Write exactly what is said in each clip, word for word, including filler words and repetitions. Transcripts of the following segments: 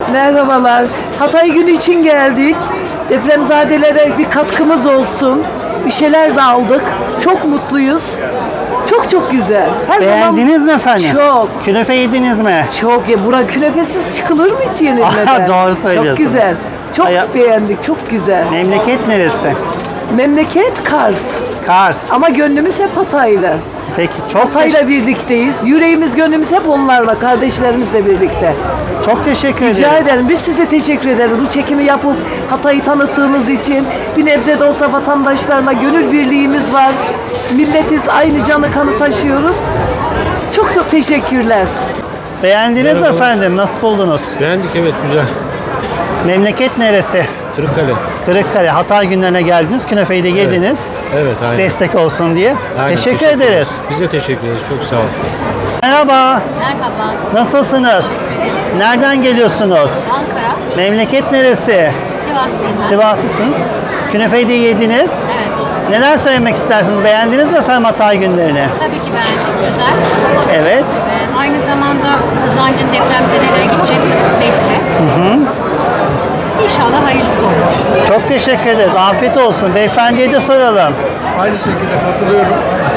Merhabalar. Hatay günü için geldik. Depremzadelere bir katkımız olsun. Bir şeyler de aldık. Çok mutluyuz. Çok çok güzel. Her Beğendiniz zaman mi efendim? Çok. Künefe yediniz mi? Çok ya. Bura künefesiz çıkılır mı hiç yenilmeden? Aha, doğru söylüyorsun. Çok güzel. Çok Aya- beğendik. Çok güzel. Memleket neresi? Memleket Kars. Kars. Ama gönlümüz hep Hatay'la. Peki çok Hatay'la birlikteyiz. Yüreğimiz, gönlümüz hep onlarla, kardeşlerimizle birlikte. teş- çok teşekkür Rica ederim. ederim. Biz size teşekkür ederiz. Bu çekimi yapıp Hatay'ı tanıttığınız için. Bir nebze de olsa vatandaşlarla gönül birliğimiz var. Milletiz, aynı canı kanı taşıyoruz. Çok çok teşekkürler. Beğendiniz mi efendim? Nasıl buldunuz? Beğendik, evet, güzel. Memleket neresi? Kırıkkale. Kırıkkale. Hatay günlerine geldiniz. Künefeyi de yediniz. Evet, aynen. Destek olsun diye. Aynen, teşekkür, ederiz. Biz de teşekkür ederiz. Çok sağ olun. Merhaba. Merhaba, Nasılsınız? Nereden geliyorsunuz? Ankara, Memleket neresi? Sivaslıyım ben. Sivaslısınız. Künefeyi de yediniz. Evet, Neler söylemek istersiniz? Beğendiniz mi efendim Hatay günlerini? tabii ki ben güzel. Evet. Ee, aynı zamanda Kazancın depremzedelere gideceğimizi mutlu etti. İnşallah hayırlısı olur. Çok teşekkür ederiz. Afiyet olsun. Beyefendiye de soralım. Aynı şekilde katılıyorum.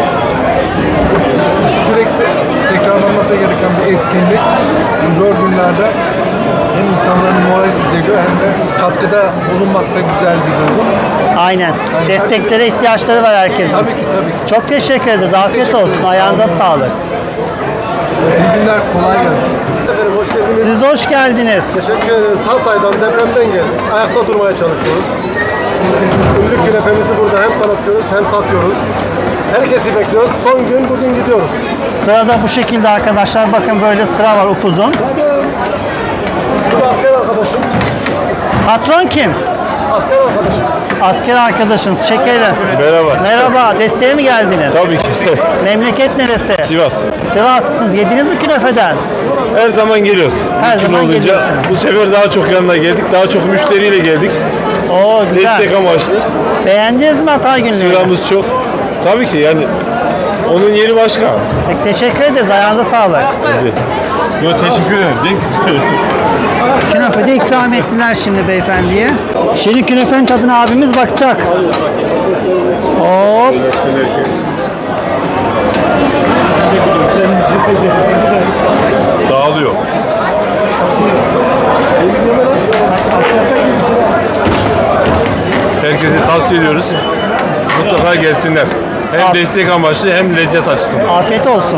Sürekli tekrarlanması gereken bir etkinlik. Bu zor günlerde hem insanların moral düzeyiyor hem de katkıda bulunmak da güzel bir durum. Aynen. Desteklere ihtiyaçları var herkesin. Tabii ki tabii ki. Çok teşekkür ederiz. Afiyet teşekkür olsun. ederiz. Ayağınıza Sağ olun. sağlık. İyi günler, kolay gelsin. Efendim hoş geldiniz. Siz hoş geldiniz. Teşekkür ederiz. Hatay'dan, depremden geldik. Ayakta durmaya çalışıyoruz. Ünlü künefemizi burada hem tanıtıyoruz hem satıyoruz. Herkesi bekliyoruz. Son gün bugün gidiyoruz. Sırada bu şekilde arkadaşlar. Bakın böyle sıra var upuzun. Bu da asker arkadaşım. Patron kim? Asker arkadaşım. Asker arkadaşınız. Çekelim. Merhaba. Merhaba. Desteğe mi geldiniz? Tabii ki. Memleket neresi? Sivas. Sivaslısınız. Yediniz mi künefeden? Her zaman geliyoruz. Her Mümkün zaman olunca geliyorsunuz. bu sefer daha çok yanına geldik. Daha çok müşteriyle geldik. Oo güzel. Destek amaçlı. Beğendiniz mi Hatay günlerini? Sıramız çok. Tabii ki yani onun yeri başka. Peki, teşekkür ederiz. Ayağınıza sağlık. Yo, teşekkür ederim. Künefe de ikram ettiler şimdi beyefendiye. Şimdi künefenin tadına abimiz bakacak. Hop. Dağılıyor. Herkese tavsiye ediyoruz. Mutlaka gelsinler. Hem destek amaçlı hem lezzet açısından. Afiyet olsun.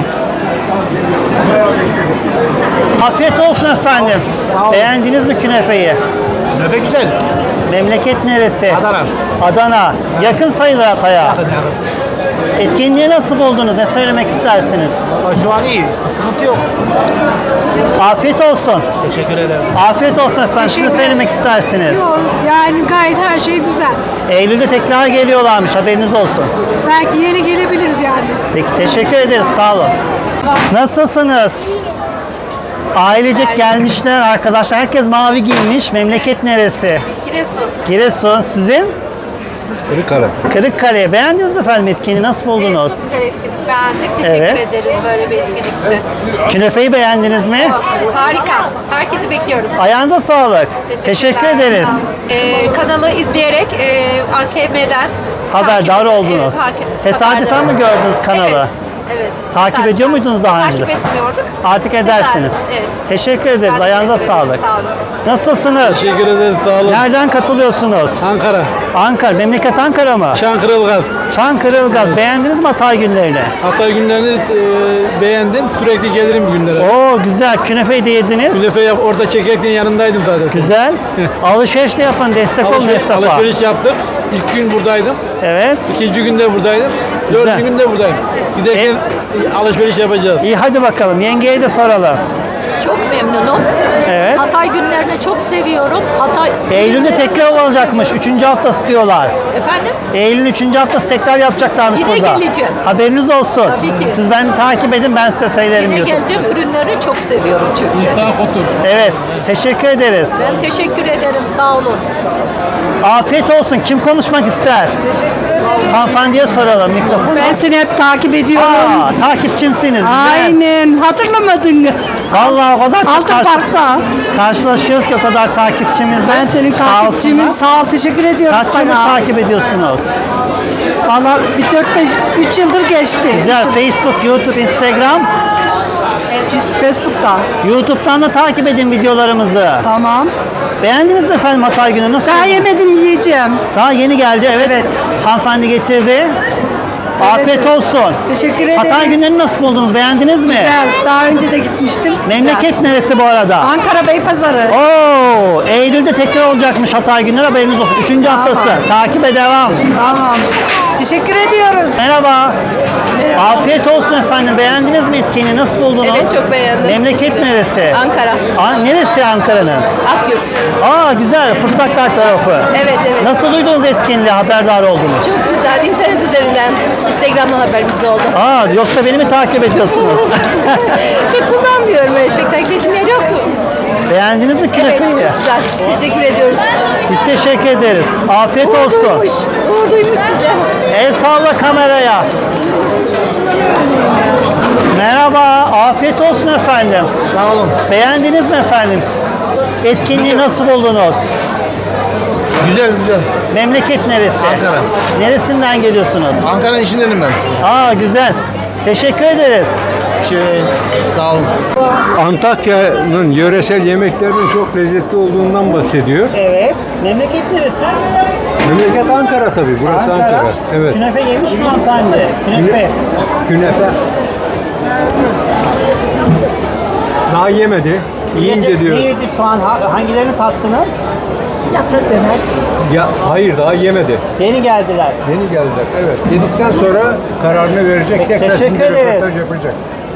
Afiyet olsun efendim. Beğendiniz mi künefeyi? Künefe güzel. Memleket neresi? Adana. Adana. Yakın sayılır Hatay'a. Etkinliği nasıl buldunuz? Ne söylemek istersiniz? Şu an iyi. Sıkıntı yok. Afiyet olsun. Teşekkür ederim. Afiyet olsun efendim. Siz ne söylemek istersiniz? Yok, yani gayet her şey güzel. Eylül'de tekrar geliyorlarmış. Haberiniz olsun. Belki yeni gelebiliriz yani. Peki teşekkür ederiz. Sağ olun. Nasılsınız? Ailecek gelmişler arkadaşlar. Herkes mavi giymiş. Memleket neresi? Giresun. Giresun. Sizin? Kırıkkale. Kırıkkale. Beğendiniz mi efendim etkinliği? Nasıl buldunuz? Çok güzel etkinlik. Beğendik. Teşekkür Evet. ederiz böyle bir etkinlik için. Künefeyi beğendiniz mi? Harika. Herkesi bekliyoruz. Ayağınıza sağlık. Teşekkür ederiz. Ee, kanalı izleyerek e, A K M'den Haberdar oldunuz. Tesadüfen mi gördünüz kanalı? Evet. Evet. Takip Tesadüfen. ediyor muydunuz daha önce? Takip etmiyorduk. Artık edersiniz. Tesadüf, evet. Teşekkür ederiz. Ben Ayağınıza teşekkür ederim. sağlık. Sağ olun. Nasılsınız? Teşekkür ederiz. Sağ olun. Nereden katılıyorsunuz? Ankara. Ankara. Memleket Ankara mı? Şankırılgaz. Çankırı Ilgaz. Beğendiniz mi Hatay günlerini? Hatay günlerini e, beğendim. Sürekli gelirim günlere. Oo güzel. Künefeyi de yediniz. Künefe yap, orada çekerken yanındaydım zaten. Güzel. Alışveriş de yapın. Destek olun Alışveriş, esnafa. alışveriş yaptık. İlk gün buradaydım. Evet. İkinci günde buradaydım. Güzel. Dördüncü günde buradayım. Giderken alışveriş yapacağız. İyi hadi bakalım. Yengeye de soralım. Çok memnunum. Evet. Hatay günlerini çok seviyorum. Hatay Eylül'de günlerini tekrar çok olacakmış. seviyorum. Üçüncü haftası diyorlar. Efendim? Eylül'ün üçüncü haftası tekrar yapacaklarmış Yine burada. geleceğim. Haberiniz olsun. Tabii ki. Siz beni takip edin, ben size söylerim Yine YouTube. geleceğim. Ürünleri çok seviyorum çünkü. Evet. Teşekkür ederiz. Ben teşekkür ederim. Sağ olun. Afiyet olsun. Kim konuşmak ister? Hanımefendiye soralım mikrofonu. Ben seni hep takip ediyorum. Aa, takipçimsiniz. Güzel. Aynen. Hatırlamadın mı? Vallahi o kadar çok Altın karşı- Park'ta. karşılaşıyoruz ki o kadar takipçimizle. Ben senin Sağ takipçimim. olsunlar. Sağ ol. Teşekkür ediyorum Kaç yıldır sana. takip ediyorsunuz? Valla bir dört beş üç yıldır geçti. Güzel. Facebook, YouTube, Instagram. Facebook'ta. YouTube'dan da takip edin videolarımızı. Tamam. Beğendiniz mi efendim Hatay günü? Nasıl? Daha yemedim, yiyeceğim. Daha yeni geldi. Evet. Evet. Hanımefendi getirdi. Afiyet olsun. Teşekkür Hatay ederiz. günlerini nasıl buldunuz? Beğendiniz mi? Güzel. Daha önce de gitmiştim. Memleket neresi bu arada? Güzel. Ankara Beypazarı. Oo, Eylül'de tekrar olacakmış Hatay günleri, haberiniz olsun. Üçüncü Tamam. haftası. Takibe devam. Tamam. Teşekkür ediyoruz. Merhaba. Afiyet olsun efendim. Beğendiniz mi etkinliği? Nasıl buldunuz? Evet, çok beğendim. Memleket Teşekkür neresi? Ankara. An neresi Ankara'nın? Akyurt. Aa güzel. Fırsaklar tarafı. Evet, evet. Nasıl duydunuz etkinliği? Haberdar oldunuz? Çok güzel. İnternet üzerinden, Instagram'dan haberimiz oldu. Aa yoksa beni mi takip ediyorsunuz? Pek kullanmıyorum, evet. Pek takip ettiğim yer yok. Beğendiniz mi Evet, künefeyi? çok güzel. Teşekkür ediyoruz. Biz teşekkür ederiz. Afiyet Uğur olsun. duymuş. Uğur duymuş size. El salla kameraya. Merhaba, afiyet olsun efendim. Sağ olun. Beğendiniz mi efendim? Etkinliği nasıl buldunuz? Güzel güzel. Memleket neresi? Ankara. Neresinden geliyorsunuz? Ankara'nın içindenim ben. Aa güzel. Teşekkür ederiz. Şey, sağ olun. Antakya'nın yöresel yemeklerinin çok lezzetli olduğundan bahsediyor. Evet. Memleket neresi? Memleket Ankara tabii. Burası Ankara. Evet. Künefe yemiş mi hanımefendi? Künefe. Künefe. Daha yemedi. Yiyince diyor. Ne yedi şu an? Ha- Hangilerini tattınız? Ya hayır daha yemedi. Yeni geldiler. Yeni geldiler. Evet. Yedikten sonra kararını verecek. Tekrar Teşekkür sizinle ederiz. röportaj yapacak.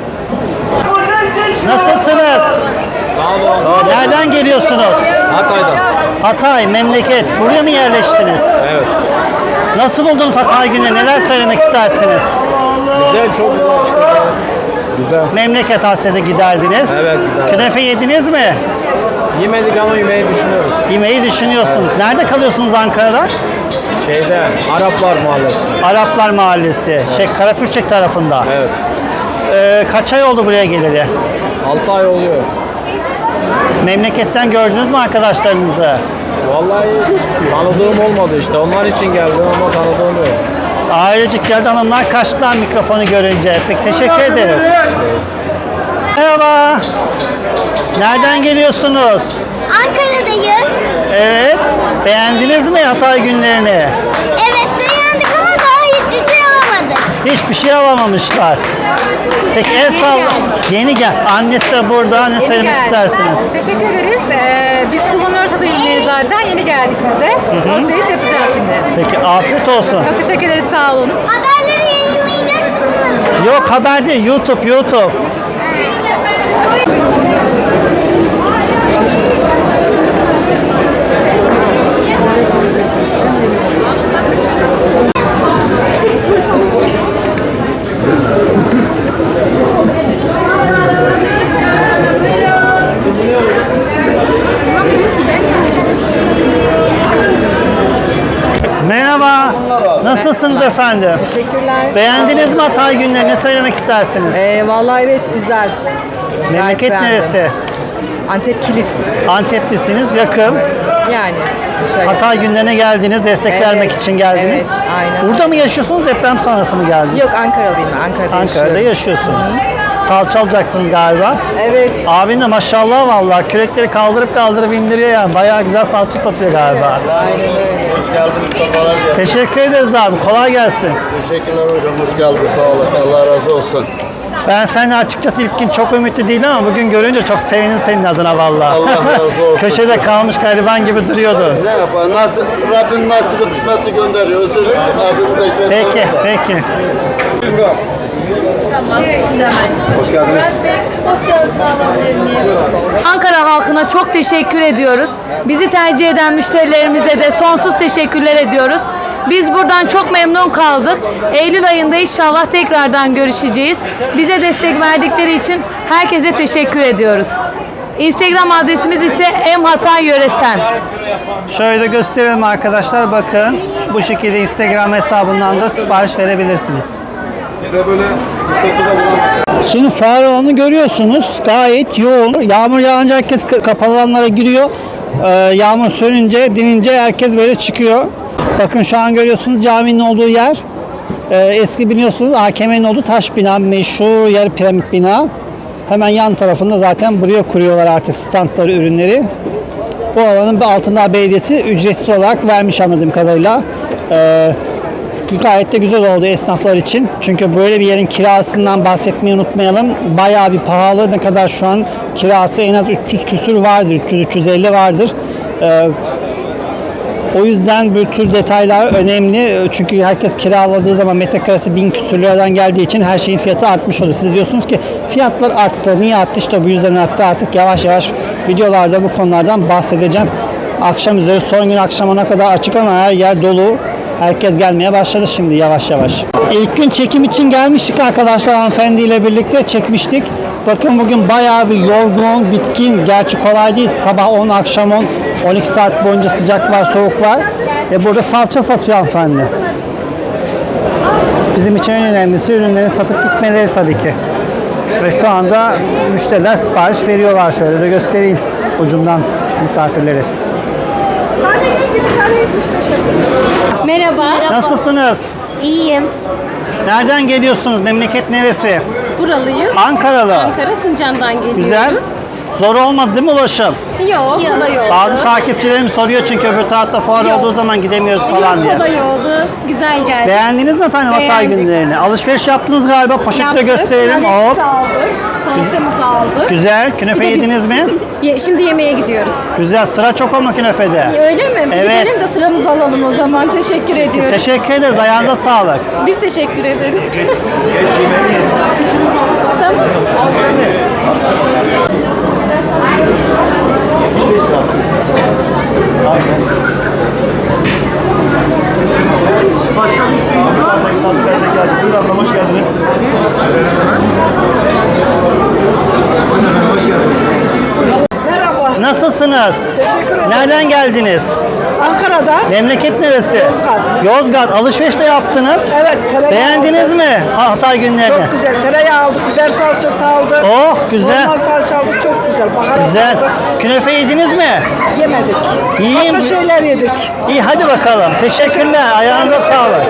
Nasılsınız? Sağ olun. Nereden geliyorsunuz? Hatay'dan. Hatay, memleket. Buraya mı yerleştiniz? Evet. Nasıl buldunuz Hatay günü? Neler söylemek istersiniz? Güzel, çok güzel işte. Güzel. Memleket hasreti giderdiniz. Evet, giderdim. Künefe yediniz mi? Yemedik ama yemeği düşünüyoruz. Yemeği düşünüyorsunuz. Nerede kalıyorsunuz Ankara'da? Şeyde, Araplar Mahallesi. Araplar Mahallesi. Şey, Karapürçek tarafında. Evet. Ee, kaç ay oldu buraya geleli? altı ay oluyor. Memleketten gördünüz mü arkadaşlarınızı? Vallahi tanıdığım olmadı işte. Onlar için geldim ama tanıdığım yok. Ailecik geldi, hanımlar kaçtılar mikrofonu görünce. Peki teşekkür ederiz. Merhaba. Nereden geliyorsunuz? Ankara'dayız. Evet. Beğendiniz mi Hatay günlerini? Evet beğendik ama daha hiçbir şey alamadık. Hiçbir şey alamamışlar. Peki el salla. Yeni gel. Annesi de burada. Ne söylemek istersiniz? Teşekkür ederiz. Ee, biz kullanıyoruz Hatay ürünleri zaten. Yeni geldik biz de. Alışveriş yapacağız şimdi. Peki afiyet olsun. Çok teşekkür ederiz. Sağ olun. Haberleri yayınlayacak mısınız? Yok haber değil. YouTube, YouTube. Merhaba. Nasılsınız efendim? Teşekkürler. Beğendiniz mi Hatay günlerini? Ne söylemek istersiniz? Ee, vallahi evet güzel. Memleket beğendim. neresi? Antep Kilis. Anteplisiniz, yakın. Yani. Şöyle. Hatay günlerine geldiniz, destek Evet, vermek için geldiniz. evet, aynen. Burada mı yaşıyorsunuz, deprem sonrası mı geldiniz? Yok Ankaralıyım ben. Ankara'da, Ankara'da yaşıyorum. yaşıyorsunuz. Salça alacaksınız galiba. Evet. Abin de maşallah vallahi kürekleri kaldırıp kaldırıp indiriyor yani. Bayağı güzel salça satıyor galiba. Aynen öyle. Hoş geldiniz, sefalar geldiniz. Teşekkür ederiz abi. Kolay gelsin. Teşekkürler hocam, hoş geldin. Sağ olasın, Allah razı olsun. Ben seninle açıkçası ilk gün çok ümitli değildim ama bugün görünce çok sevindim senin adına vallahi. Allah razı olsun. Köşede kalmış gariban gibi duruyordu. Ne yapar? Nasıl, Rabbim nasibi kısmetli gönderiyor. Özür Rabbim bekliyor. Peki, peki. Ankara halkına çok teşekkür ediyoruz. Bizi tercih eden müşterilerimize de sonsuz teşekkürler ediyoruz. Biz buradan çok memnun kaldık. Eylül ayında inşallah tekrardan görüşeceğiz. Bize destek verdikleri için herkese teşekkür ediyoruz. Instagram adresimiz ise em hatay yöresel. Şöyle gösterelim arkadaşlar, bakın. Bu şekilde Instagram hesabından da sipariş verebilirsiniz. ve böyle misafirde bulunmak. Şimdi fuar alanını görüyorsunuz. Gayet yoğun. Yağmur yağınca herkes k- kapalı alanlara giriyor. Ee, yağmur sönünce, dinince herkes böyle çıkıyor. Bakın şu an görüyorsunuz caminin olduğu yer. Ee, eski biliyorsunuz A K M'nin olduğu taş bina, meşhur yarı piramit bina. Hemen yan tarafında zaten buraya kuruyorlar artık standları, ürünleri. Bu alanın Altındağ Belediyesi ücretsiz olarak vermiş anladığım kadarıyla. Ee, Gayet de güzel oldu esnaflar için. Çünkü böyle bir yerin kirasından bahsetmeyi unutmayalım. Bayağı bir pahalı. Ne kadar şu an kirası en az üç yüz küsür vardır. üç yüz üç yüz elli vardır. Ee, o yüzden bu tür detaylar önemli. Çünkü herkes kiraladığı zaman metrekaresi bin küsür liradan geldiği için her şeyin fiyatı artmış oluyor. Siz diyorsunuz ki fiyatlar arttı. Niye arttı? İşte bu yüzden arttı. Artık yavaş yavaş videolarda bu konulardan bahsedeceğim. Akşam üzeri son gün akşamına kadar açık ama her yer dolu. Herkes gelmeye başladı şimdi yavaş yavaş. İlk gün çekim için gelmiştik arkadaşlar, hanımefendiyle birlikte çekmiştik. Bakın bugün bayağı bir yorgun, bitkin. Gerçi kolay değil. Sabah on, akşam on, on iki saat boyunca sıcak var, soğuk var. Ve burada salça satıyor hanımefendi. Bizim için en önemlisi ürünlerin satıp gitmeleri tabii ki. Ve şu anda müşteriler sipariş veriyorlar. Şöyle de göstereyim ucundan misafirleri. Merhaba. Nasılsınız? İyiyim. Nereden geliyorsunuz? Memleket neresi? Buralıyız. Ankaralı. Ankara Sincan'dan geliyoruz. Güzel. Zor olmadı değil mi ulaşım? Yok, kolay oldu. Bazı takipçilerim soruyor çünkü öbür tarafta fuar Yok. olduğu zaman gidemiyoruz falan diye. Kolay oldu. Güzel geldi. Beğendiniz mi efendim Hatay Beğendik. günlerini? Alışveriş yaptınız galiba. Poşeti de Yaptık. gösterelim. Alex Hop. aldık. Salçamızı aldık. Güzel. Künefe Bir de- yediniz mi? Ye- Şimdi yemeğe gidiyoruz. Güzel. Sıra çok ama künefede. Öyle mi? Evet. Gidelim de sıramızı alalım o zaman. Teşekkür ediyoruz. Teşekkür ederiz. Ayağınıza sağlık. Biz teşekkür ederiz. Tamam. Hoş geldiniz. Merhaba. Nasılsınız? Teşekkür ederim. Nereden geldiniz? Ankara'dan. Memleket neresi? Yozgat. Yozgat. Alışveriş de yaptınız. Evet, tereyağı Beğendiniz aldık. mi Hatay günlerini? Çok güzel. Tereyağı aldık, biber salçası aldık. Oh, güzel. Normal salça aldık, çok güzel. Baharat Güzel. aldık. Künefe yediniz mi? Yemedik. Yiyeyim Başka mi? şeyler yedik. İyi hadi bakalım. Teşekkürler. Ayağınıza sağlık.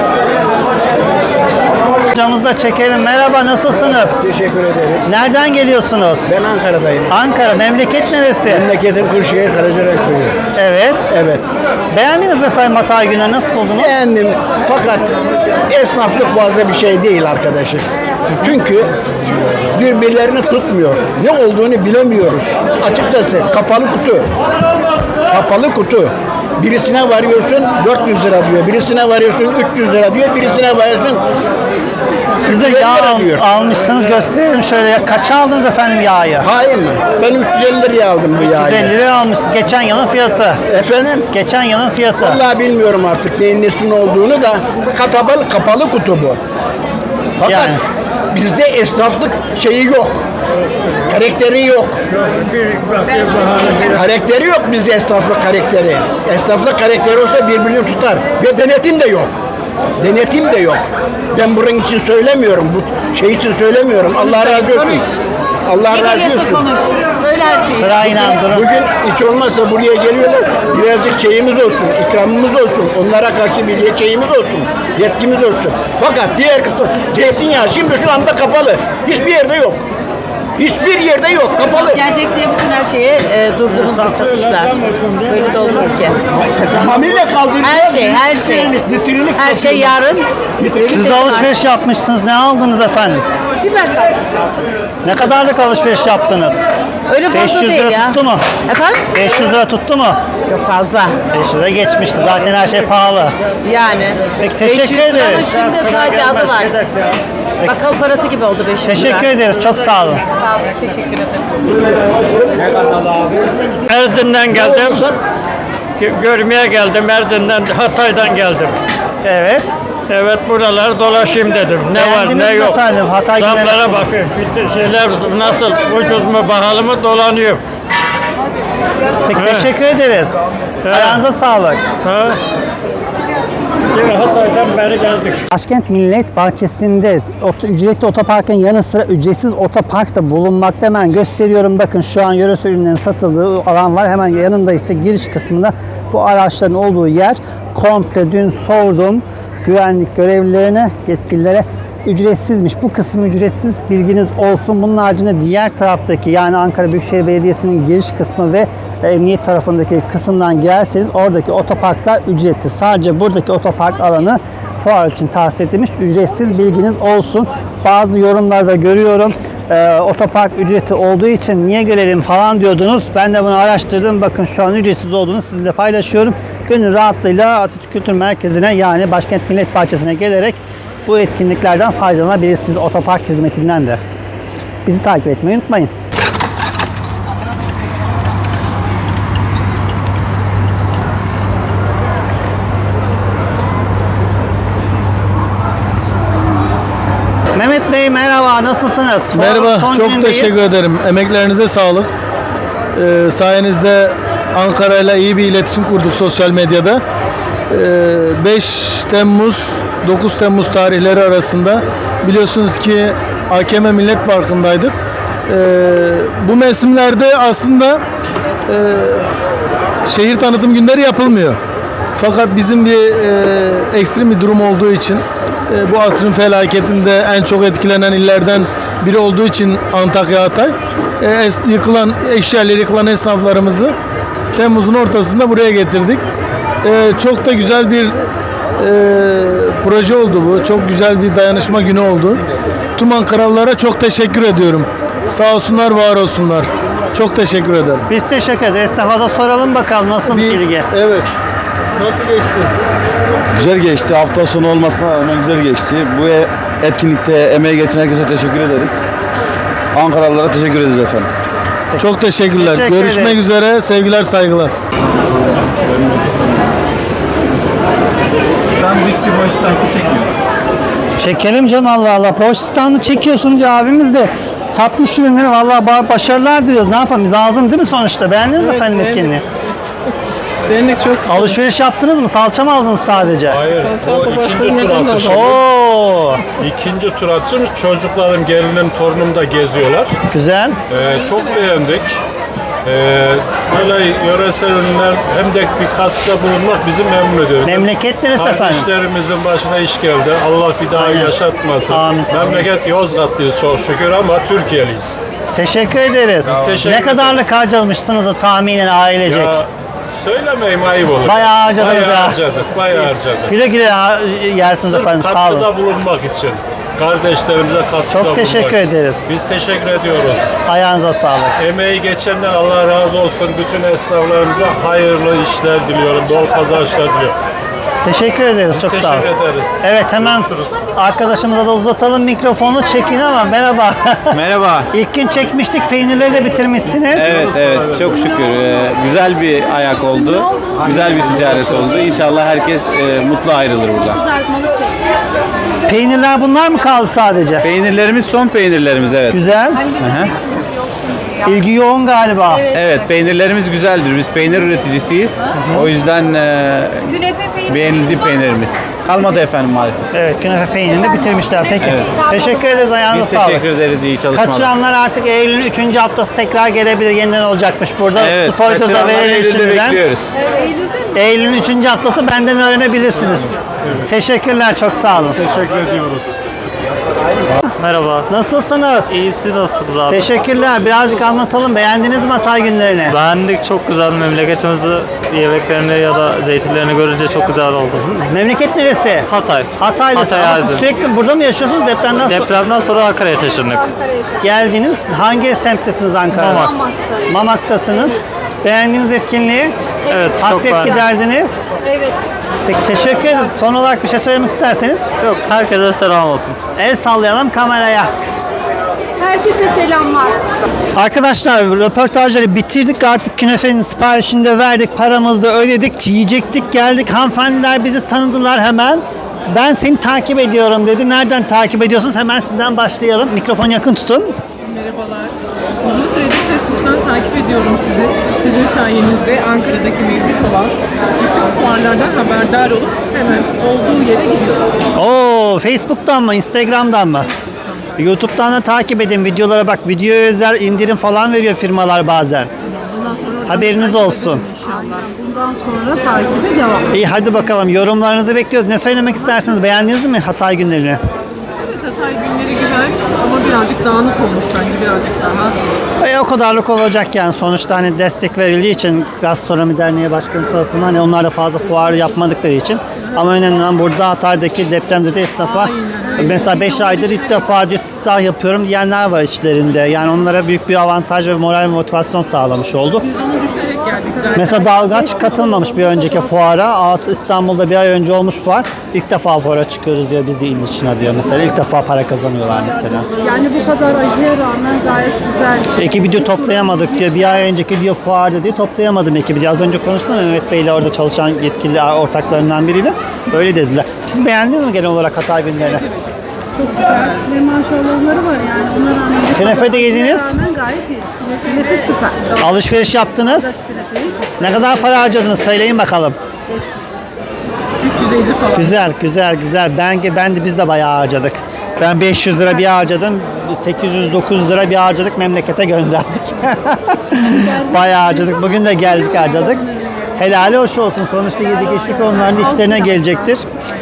Hocamızı da çekelim. Merhaba, nasılsınız? Teşekkür ederim. Nereden geliyorsunuz? Ben Ankara'dayım. Ankara. Memleket neresi? Memleketim Kırşehir Karacaray Köyü. Evet. Evet. Beğendiniz mi efendim Hatay günleri? Nasıl buldunuz? Beğendim fakat esnaflık fazla bir şey değil arkadaşım. Çünkü birbirlerini tutmuyor. Ne olduğunu bilemiyoruz. Açıkçası kapalı kutu. Kapalı kutu. Birisine varıyorsun dört yüz lira diyor. Birisine varıyorsun üç yüz lira diyor. Birisine varıyorsun Siz de üç yüz elli yağ lira al- diyor. almışsınız. Gösterelim şöyle. Ya. Kaça aldınız efendim yağı? Hayır mı? Ben üç yüz elli liraya aldım bu yağı. yüz elli liraya almışsınız. Geçen yılın fiyatı. Efendim? Geçen yılın fiyatı. Vallahi bilmiyorum artık neyin nesinin olduğunu da kapalı, kapalı kutu bu. Fakat Yani. bizde esnaflık şeyi yok. Karakteri yok. Karakteri yok bizde esnaflık karakteri. Esnaflık karakteri olsa birbirini tutar. Ve denetim de yok. Denetim de yok. Ben bunun için söylemiyorum. Bu şey için söylemiyorum. Allah razı olsun. Allah razı olsun. Sırayla durun. Bugün hiç olmazsa buraya geliyorlar. Birazcık şeyimiz olsun, ikramımız olsun. Onlara karşı bir şeyimiz olsun, yetkimiz olsun. Fakat diğer kısmı zeytinyağı şimdi şu anda kapalı. Hiçbir yerde yok. Hiçbir yerde yok, kapalı. Gelecek diye bütün her şeye e, durdunuz bu satışlar. Böyle de olmaz ki. Tamamıyla kaldıracağız. Her şey, her şey. Litrelik, litrelik Her şey yarın. Siz de alışveriş yapmışsınız. Ne aldınız efendim? Biber salçası aldım. Ne kadarlık alışveriş yaptınız? Öyle beş fazla yüz değil lira ya. tuttu mu? Efendim? beş yüz lira tuttu mu? Yok fazla. beş yüz lira geçmişti. Zaten her şey pahalı. Yani. Peki, beş yüz teşekkür liranın ederiz. şimdi sadece adı var. Bakkal parası gibi oldu beş yüz lira. Teşekkür ederiz. Çok sağ olun. Sağ olun, teşekkür ederim. Erzin'den geldim. Gö- Görmeye geldim Erzin'den, Hatay'dan geldim. Evet. Evet buraları dolaşayım dedim. Ne Beğendiniz var ne mi yok. efendim? Hatay günleri Zamlara nasıl? bakın. Bütün şeyler nasıl ucuz mu pahalı mı dolanıyor. Peki Evet. teşekkür ederiz. Evet. Ayağınıza sağlık. Ha? Hatay'dan beri geldik. Başkent Millet Bahçesi'nde ot- ücretli otoparkın yanı sıra ücretsiz otopark da bulunmakta. Hemen gösteriyorum. Bakın şu an yöresel ürünlerin satıldığı alan var. Hemen yanında ise giriş kısmında bu araçların olduğu yer. Komple dün sordum güvenlik görevlilerine, yetkililere, ücretsizmiş. Bu kısmı ücretsiz, bilginiz olsun. Bunun haricinde diğer taraftaki, yani Ankara Büyükşehir Belediyesi'nin giriş kısmı ve emniyet tarafındaki kısımdan girerseniz oradaki otoparklar ücretli. Sadece buradaki otopark alanı fuar için tahsis edilmiş, ücretsiz, bilginiz olsun. Bazı yorumlarda görüyorum. Ee, otopark ücreti olduğu için niye gelelim falan diyordunuz. Ben de bunu araştırdım. Bakın şu an ücretsiz olduğunu sizinle paylaşıyorum. Gönül rahatlığıyla Atatürk Kültür Merkezi'ne, yani Başkent Millet Bahçesi'ne gelerek bu etkinliklerden faydalanabilirsiniz, otopark hizmetinden de. Bizi takip etmeyi unutmayın. Mehmet Bey merhaba, nasılsınız? Merhaba, Son çok günündeyiz. teşekkür ederim. Emeklerinize sağlık. Ee, sayenizde Ankara'yla iyi bir iletişim kurduk sosyal medyada. Ee, beş Temmuz dokuz Temmuz tarihleri arasında biliyorsunuz ki A K M Millet Parkı'ndaydık. Ee, bu mevsimlerde aslında e, şehir tanıtım günleri yapılmıyor. Fakat bizim bir e, ekstrem bir durum olduğu için, e, bu asrın felaketinde en çok etkilenen illerden biri olduğu için Antakya, Hatay, e, es, yıkılan eşyaları, yıkılan esnaflarımızı Temmuz'un ortasında buraya getirdik. E, çok da güzel bir e, proje oldu bu. Çok güzel bir dayanışma günü oldu. Tüm Ankaralılara çok teşekkür ediyorum. Sağ olsunlar, var olsunlar. Çok teşekkür ederim. Biz teşekkür ederiz. Esnafa da soralım bakalım nasıl bir ilgi. Evet. Nasıl geçti? Güzel geçti. Hafta sonu olmasına rağmen güzel geçti. Bu etkinlikte emeği geçen herkese teşekkür ederiz. Ankaralılara teşekkür ederiz efendim. Çok teşekkürler. Teşekkür Görüşmek ederim. üzere. Sevgiler, saygılar. Ben büyük bir boş tankı çekmiyorum. Çekelim canım, Allah Allah. Boş standı çekiyorsun diyor abimiz de. Satmış ürünleri, vallahi ba- başarılar diliyoruz. Ne yapalım? Lazım değil mi sonuçta? Beğendiniz mi efendim etkinliği? Beğendik çok. Alışveriş yaptınız mı? Salça mı aldınız sadece? Hayır, bu ikinci tur atışımız. Oo, İkinci tur atışımız. Çocuklarım, gelinim, torunum da geziyorlar. güzel. Ee, çok beğendik. Ee, böyle yöresel ürünler hem de bir katkıda bulunmak bizi memnun ediyor. Memleket neresi efendim? Kardeşlerimizin başına iş geldi. Allah bir daha yaşatmasın. Amin. Memleket Yozgatlıyız çok şükür ama Türkiye'liyiz. Teşekkür ederiz. teşekkür ne kadarlık harcamışsınız da tahminen ailecek? Ya söylemeyeyim, ayıp olur. Bayağı harcadınız bayağı ha. harcadık, bayağı harcadık. Güle güle ha- yersiniz Sırf efendim. Sağ olun. katkıda bulunmak için. Kardeşlerimize katkıda Çok bulunmak teşekkür için. ederiz. Biz teşekkür ediyoruz. Ayağınıza sağlık. Emeği geçenden Allah razı olsun. Bütün esnaflarımıza hayırlı işler diliyorum. Bol kazançlar diliyorum. Teşekkür ederiz. Biz Çok teşekkür sağ olun. ederiz. Evet, hemen arkadaşımıza da uzatalım mikrofonu, çekin ama merhaba. Merhaba. İlk gün çekmiştik, peynirleri de bitirmişsiniz. Evet evet çok şükür. Ee, güzel bir ayak oldu. Güzel bir ticaret oldu. İnşallah herkes e, mutlu ayrılır buradan. Peynirler bunlar mı kaldı sadece? Peynirlerimiz son peynirlerimiz evet. Güzel. Hı hı. İlgi yoğun galiba. Evet peynirlerimiz güzeldir. Biz peynir üreticisiyiz. O yüzden e, beğenildi peynirimiz. Kalmadı efendim maalesef. Evet, künefe peynirini bitirmişler. Peki. Teşekkür ederiz, ayağınıza Biz sağlık. teşekkür ederiz. İyi çalışmalar. Kaçıranlar artık Eylül'ün üçüncü haftası tekrar gelebilir. Yeniden olacakmış burada. Evet, Spoiler'da kaçıranları verelim Eylül'de şimdiden. bekliyoruz. Eylül'ün üçüncü haftası, benden öğrenebilirsiniz. Teşekkürler, çok sağ olun. Teşekkür ediyoruz. Merhaba. Nasılsınız? İyiyim, siz nasılsınız abi? Teşekkürler. Birazcık anlatalım. Beğendiniz mi Hatay günlerini? Beğendik, çok güzel. Memleketimizi, yemeklerini ya da zeytinlerini görünce çok güzel oldu. Memleket neresi? Hatay. Hataylısınız. Hatay Ama siz Azim. sürekli burada mı yaşıyorsunuz depremden sonra? Depremden sonra Ankara'ya taşındık. Geldiniz. Hangi semttesiniz Ankara'da? Mamak. Mamak'tasınız. Beğendiğiniz etkinliği? Evet, çok Hasret beğendim. giderdiniz. Evet. Peki, teşekkür ederiz. Son olarak bir şey söylemek isterseniz Yok, herkese selam olsun. el sallayalım kameraya. Herkese selamlar. Arkadaşlar, röportajları bitirdik, artık künefenin siparişini de verdik, paramızı da ödedik, yiyecektik, geldik. Hanımefendiler bizi tanıdılar hemen. Ben seni takip ediyorum dedi. Nereden takip ediyorsunuz? Hemen sizden başlayalım. Mikrofonu yakın tutun. Merhabalar. Uzun süredir Facebook'tan takip ediyorum sizi. Sizin sayenizde Ankara'daki mevcut olan bütün fuar haberlerden haberdar olup hemen olduğu yere gidiyoruz. Oo, Facebook'tan mı, Instagram'dan mı? YouTube'dan da takip edin videolara bak. Videoya özel indirim falan veriyor firmalar bazen. Bundan sonra Haberiniz olsun. inşallah. Bundan sonra takibe devam. İyi hadi bakalım yorumlarınızı bekliyoruz. Ne söylemek istersiniz? Beğendiniz mi Hatay günlerini? Evet, Hatay günleri güzel ama birazcık dağınık olmuş bence, birazcık daha. E, o kadarlık olacak yani. Sonuçta hani destek verildiği için Gastronomi Derneği Başkanı tarafından hani onlar da fazla fuarı yapmadıkları için. Ama önemli olan burada Hatay'daki depremzede esnafa mesela beş aydır ilk defa diyor siftah yapıyorum diyenler var içlerinde. Yani onlara büyük bir avantaj ve moral ve motivasyon sağlamış oldu. Biz onu düşerek geldik zaten. Mesela Dalgaç katılmamış bir önceki fuara. İstanbul'da bir ay önce olmuş fuar. İlk defa fuara çıkıyoruz diyor biz de il dışına diyor mesela. İlk defa para kazanıyorlar mesela. Yani bu kadar acıya rağmen gayet güzel. Ekibi diyor toplayamadık diyor. Bir ay önceki diyor fuarda diye toplayamadım ekibi diye. Az önce konuştum Mehmet Bey'le orada çalışan yetkili ortaklarından biriyle. Öyle dediler. Siz beğendiniz mi genel olarak Hatay günlerini? Çok güzel ve maşallahları var yani. Ona rağmen bu Künefe kadar de yediniz. acıya rağmen gayet iyi. Künefe süper. Alışveriş yaptınız. Ne kadar para harcadınız söyleyin bakalım. üç yüz elli falan. Güzel güzel güzel. Ben ben de biz de bayağı harcadık. Ben beş yüz lira bir harcadım. sekiz yüz dokuz yüz lira bir harcadık memlekete gönderdik. Bayağı harcadık. Bugün de geldik harcadık. Helali hoş olsun. Sonuçta yedik içtik onların da işlerine gelecektir.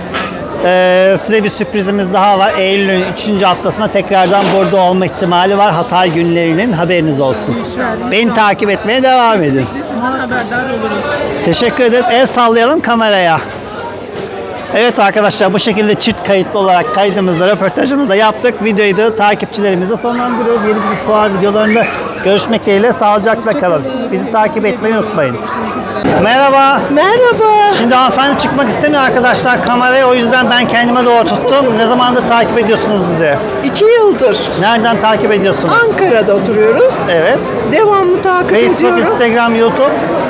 Ee, size bir sürprizimiz daha var. Eylül'ün üçüncü haftasında tekrardan burada olma ihtimali var. Hatay günlerinin haberiniz olsun. Beni takip etmeye devam edin. Haberdar oluruz. Teşekkür ederiz. El sallayalım kameraya. Evet arkadaşlar bu şekilde çift kayıtlı olarak kaydımızda, röportajımızda yaptık. Videoyu da takipçilerimizle sonlandırıyoruz. Yeni bir fuar videolarında görüşmek dileğiyle sağlıcakla kalın. Bizi takip etmeyi unutmayın. Merhaba. Merhaba. Şimdi hanımefendi çıkmak istemiyor arkadaşlar kameraya. O yüzden ben kendime doğru tuttum. Ne zamandır takip ediyorsunuz bizi? İki yıldır Nereden takip ediyorsunuz? Ankara'da oturuyoruz. Evet. Devamlı takip Facebook, ediyorum. Instagram, YouTube.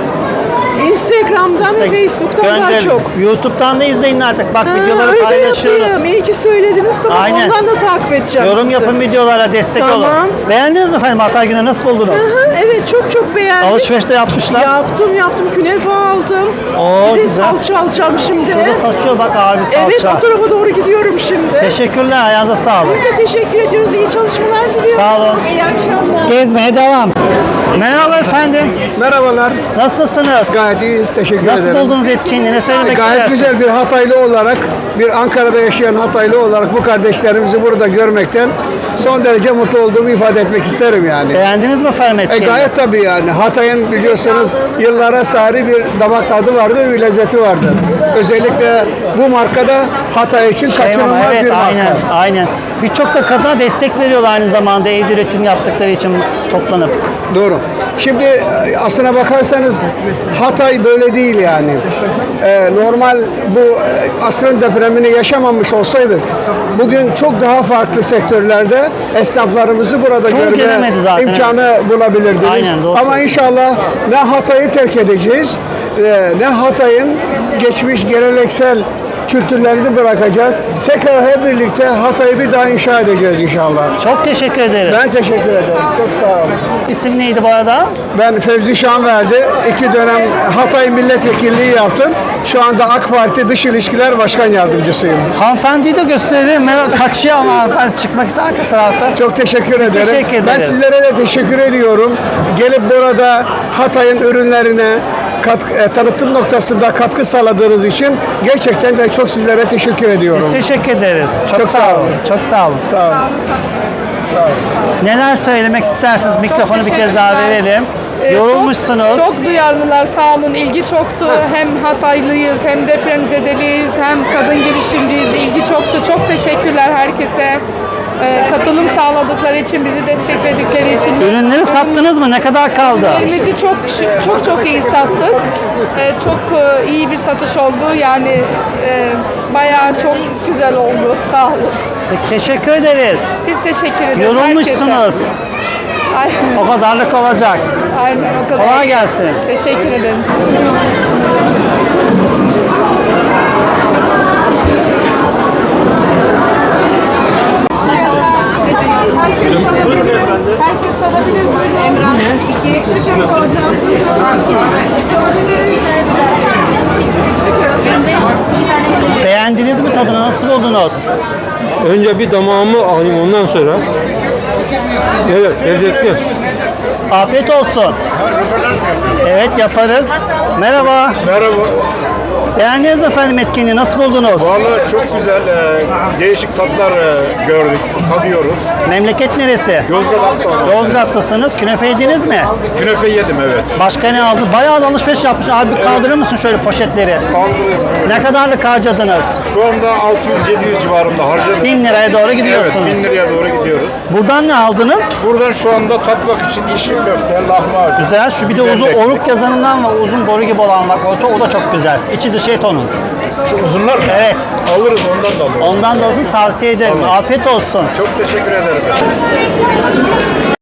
Instagram'dan ve Facebook'tan daha Gönderin. çok. YouTube'dan da izleyin artık. Bak Ha, videoları öyle paylaşıyoruz. yapayım. İyi ki söylediniz. Tamam, Aynen. ondan da takip edeceğim Yorum sizi. yapın videolara destek Tamam. olun. Beğendiniz mi efendim Hatay günleri nasıl buldunuz? Aha, evet çok çok beğendim. Alışveriş de yapmışlar. Yaptım yaptım. Künefe aldım. Oo, bir de güzel. salça alacağım şimdi. Şurada saçıyor bak abi salça. Evet o tarafa doğru gidiyorum şimdi. Teşekkürler ayağınıza sağlık. Biz de teşekkür ediyoruz. İyi çalışmalar diliyorum. Sağ olun. İyi akşamlar. Gezmeye devam. Merhaba efendim. Merhabalar. Nasılsınız? Gayet iyiyiz. Teşekkür Nasıl ederim. buldunuz etkinliği? Ne söylemek Gayet istersiniz? güzel bir Hataylı olarak, bir Ankara'da yaşayan Hataylı olarak bu kardeşlerimizi burada görmekten son derece mutlu olduğumu ifade etmek isterim yani. Beğendiniz mi efendim E etkinliği? gayet tabii yani. Hatay'ın biliyorsunuz yıllara sari bir damak tadı vardı, bir lezzeti vardı. Özellikle bu markada Hatay için Şey ama kaçınılmaz evet, bir marka. aynen, aynen. Birçok da kadına destek veriyorlar aynı zamanda evde üretim yaptıkları için toplanıp. Doğru. Şimdi e, aslına bakarsanız Hatay böyle değil yani. Ee, normal bu e, asrın depremini yaşamamış olsaydık bugün çok daha farklı sektörlerde esnaflarımızı burada Çoğu görme gelemedi zaten, imkanı bulabilirdiniz. Aynen, doğru. Ama inşallah ne Hatay'ı terk edeceğiz e, ne Hatay'ın geçmiş geleneksel kültürlerini bırakacağız. Tekrar hep birlikte Hatay'ı bir daha inşa edeceğiz inşallah. Çok teşekkür ederim. Ben teşekkür ederim. Çok sağ olun. İsim neydi bu arada? Ben Fevzi Şanverdi. İki dönem Hatay milletvekilliği yaptım. Şu anda AK Parti Dış İlişkiler Başkan Yardımcısıyım. Hanımefendiyi de gösterelim. Merak kaçıyor ama hanımefendi çıkmak ister arka tarafta. Çok teşekkür ederim. Teşekkür ederim. Ben sizlere de teşekkür ediyorum. Gelip burada Hatay'ın ürünlerine katkı, e, tanıtım noktasında katkı sağladığınız için gerçekten de çok sizlere teşekkür ediyorum. Biz teşekkür ederiz. Çok, Çok sağ, sağ olun. olun. Çok sağ olun. Sağ olun. Neler söylemek istersiniz? Mikrofonu bir kez daha verelim. Yorulmuşsunuz. Çok, çok duyarlılar, sağ olun. İlgi çoktu. Hem Hataylıyız, hem depremzedeliyiz, hem kadın girişimciyiz. İlgi çoktu. Çok teşekkürler herkese. Ee, katılım sağladıkları için, bizi destekledikleri için. Ürünleri sattınız mı? Ne kadar kaldı? Ürünlerimizi çok çok çok iyi sattık. Ee, çok e, iyi bir satış oldu. Yani e, bayağı çok güzel oldu. Sağ olun. Peki, teşekkür ederiz. Biz teşekkür ederiz Yorulmuşsunuz. herkese. Aynen. O kadarlık olacak. Aynen o kadar. Kolay gelsin. Teşekkür ederim. Herkes alabilir. Herkes alabilir. Böyle Emrah. İki. Şu hocam. Alabiliriz. tadını nasıl buldunuz? Önce bir damağımı alayım ondan sonra. Evet, lezzetli. Afiyet olsun. Evet yaparız. Merhaba. Merhaba. Beğendiniz mi efendim etkinliği? Nasıl buldunuz? Vallahi çok güzel. e, değişik tatlar e, gördük, tadıyoruz. Memleket neresi? Yozgat Akdağ. Yozgatlısınız. Künefe yediniz mi? Künefe yedim evet. Başka ne aldın? Bayağı da alışveriş yapmış. Abi bir kaldırır mısın şöyle poşetleri? Kaldırıyorum. Ne kadarlık harcadınız? Şu anda altı yüz yedi yüz civarında harcadık. Bin liraya doğru gidiyorsunuz. Evet, bin liraya doğru gidiyoruz. Buradan ne aldınız? Buradan şu anda tatmak için işi köfte, lahmacun. Güzel. Şu bir de uzun Biberli oruk yazanından var. Uzun boru gibi olan bak. O, çok, o da çok güzel. İçi dışı et onun. Şu uzunlar mı? Evet. Alırız ondan da alırız. Ondan da alın, tavsiye ederim. Tamam. Afiyet olsun. Çok teşekkür ederim.